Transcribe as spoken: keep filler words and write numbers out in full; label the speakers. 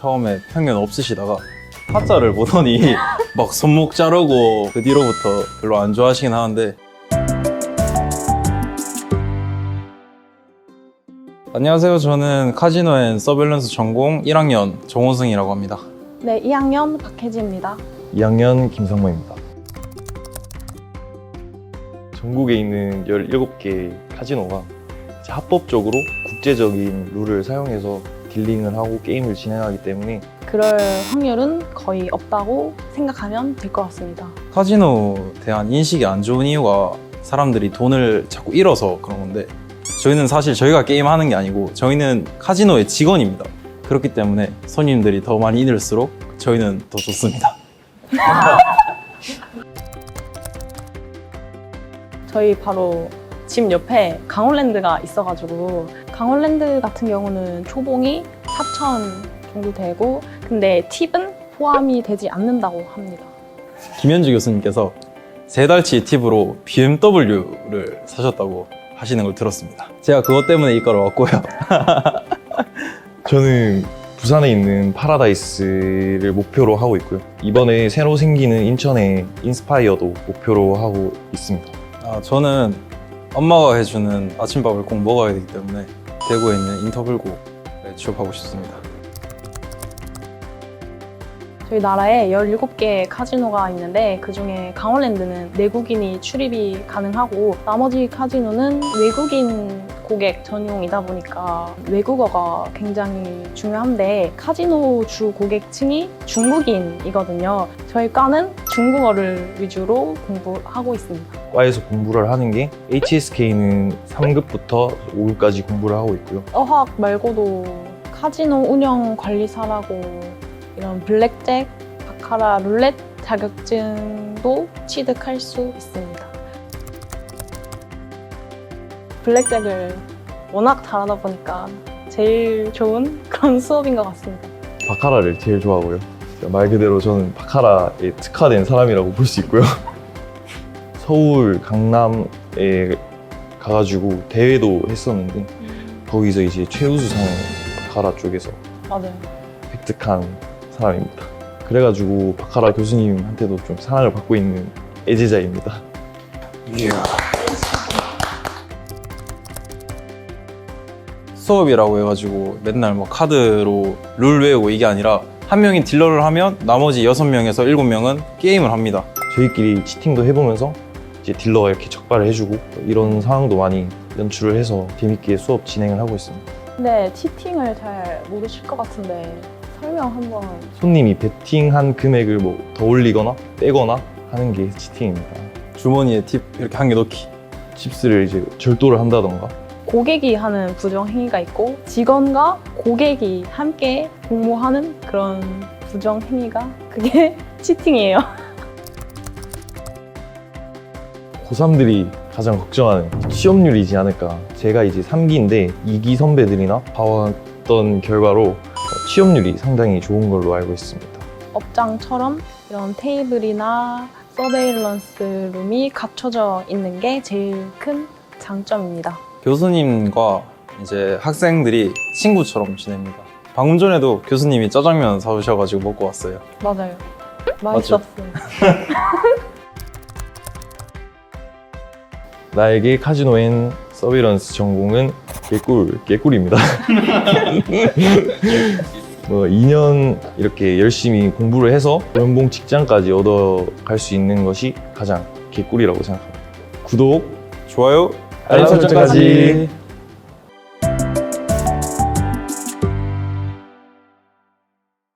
Speaker 1: 처음에 편견 없으시다가 타짜를 보더니 막 손목 자르고 그 뒤로부터 별로 안 좋아하시긴 하는데. 안녕하세요. 저는 카지노 앤 서베일런스 전공 일 학년 정호승이라고 합니다.
Speaker 2: 네, 이 학년 박혜지입니다.
Speaker 3: 이 학년 김성모입니다. 전국에 있는 열일곱 개 카지노가 이제 합법적으로 국제적인 룰을 사용해서 딜링을 하고 게임을 진행하기 때문에
Speaker 2: 그럴 확률은 거의 없다고 생각하면 될 것 같습니다.
Speaker 1: 카지노에 대한 인식이 안 좋은 이유가 사람들이 돈을 자꾸 잃어서 그런 건데, 저희는 사실 저희가 게임하는 게 아니고 저희는 카지노의 직원입니다. 그렇기 때문에 손님들이 더 많이 잃을수록 저희는 더 좋습니다.
Speaker 2: 저희 바로 집 옆에 강원랜드가 있어가지고, 강원랜드 같은 경우는 초봉이 사천 정도 되고, 근데 팁은 포함이 되지 않는다고 합니다.
Speaker 1: 김현주 교수님께서 세 달치 팁으로 비엠더블유를 사셨다고 하시는 걸 들었습니다. 제가 그것 때문에 이과를 왔고요.
Speaker 3: 저는 부산에 있는 파라다이스를 목표로 하고 있고요. 이번에 새로 생기는 인천의 인스파이어도 목표로 하고 있습니다.
Speaker 1: 아, 저는 엄마가 해주는 아침밥을 꼭 먹어야 되기 때문에 대구에 있는 인터블고에 취업하고 싶습니다.
Speaker 2: 저희 나라에 열일곱 개 카지노가 있는데, 그중에 강원랜드는 내국인이 출입이 가능하고 나머지 카지노는 외국인 고객 전용이다 보니까 외국어가 굉장히 중요한데, 카지노 주 고객층이 중국인이거든요. 저희 과는 중국어를 위주로 공부하고 있습니다.
Speaker 3: 과에서 공부를 하는 게 에이치에스케이는 삼 급부터 오 급까지 공부를 하고 있고요.
Speaker 2: 어학 말고도 카지노 운영 관리사라고 이런 블랙잭, 바카라, 룰렛 자격증도 취득할 수 있습니다. 블랙잭을 워낙 잘하다 보니까 제일 좋은 그런 수업인 것 같습니다.
Speaker 3: 바카라를 제일 좋아하고요. 말 그대로 저는 바카라에 특화된 사람이라고 볼 수 있고요. 서울, 강남에 가가지고 대회도 했었는데 거기서 이제 최우수상을 바카라 쪽에서
Speaker 2: 맞아요.
Speaker 3: 획득한 사람입니다. 그래가지고 바카라 교수님한테도 좀 사랑을 받고 있는 애제자입니다.
Speaker 1: 이야. 수업이라고 해가지고 맨날 뭐 카드로 룰 외우고 이게 아니라 한 명이 딜러를 하면 나머지 여섯 명에서 일곱 명은 게임을 합니다.
Speaker 3: 저희끼리 치팅도 해보면서 이제 딜러가 이렇게 적발을 해주고 이런 상황도 많이 연출을 해서 재밌게 수업 진행을 하고 있습니다.
Speaker 2: 근데 치팅을 잘 모르실 것 같은데 설명 한번.
Speaker 3: 손님이 베팅한 금액을 뭐 더 올리거나 빼거나 하는 게 치팅입니다.
Speaker 1: 주머니에 팁 이렇게 한 개 넣기.
Speaker 3: 칩스를 이제 절도를 한다던가
Speaker 2: 고객이 하는 부정행위가 있고, 직원과 고객이 함께 공모하는 그런 부정행위가 그게 치팅이에요.
Speaker 3: 고삼들이 가장 걱정하는 취업률이지 않을까. 제가 이제 삼 기인데 이 기 선배들이나 봐왔던 결과로 취업률이 상당히 좋은 걸로 알고 있습니다.
Speaker 2: 업장처럼 이런 테이블이나 서베일런스 룸이 갖춰져 있는 게 제일 큰 장점입니다.
Speaker 1: 교수님과 이제 학생들이 친구처럼 지냅니다. 방금 전에도 교수님이 짜장면 사오셔가지고 먹고 왔어요.
Speaker 2: 맞아요.
Speaker 1: 맞죠?
Speaker 2: 맛있었어요.
Speaker 3: 나에게 카지노 앤 서비런스 전공은 개꿀, 개꿀입니다. 뭐 이 년 이렇게 열심히 공부를 해서 연봉 직장까지 얻어갈 수 있는 것이 가장 개꿀이라고 생각합니다. 구독,
Speaker 1: 좋아요,
Speaker 3: 알람 설정까지.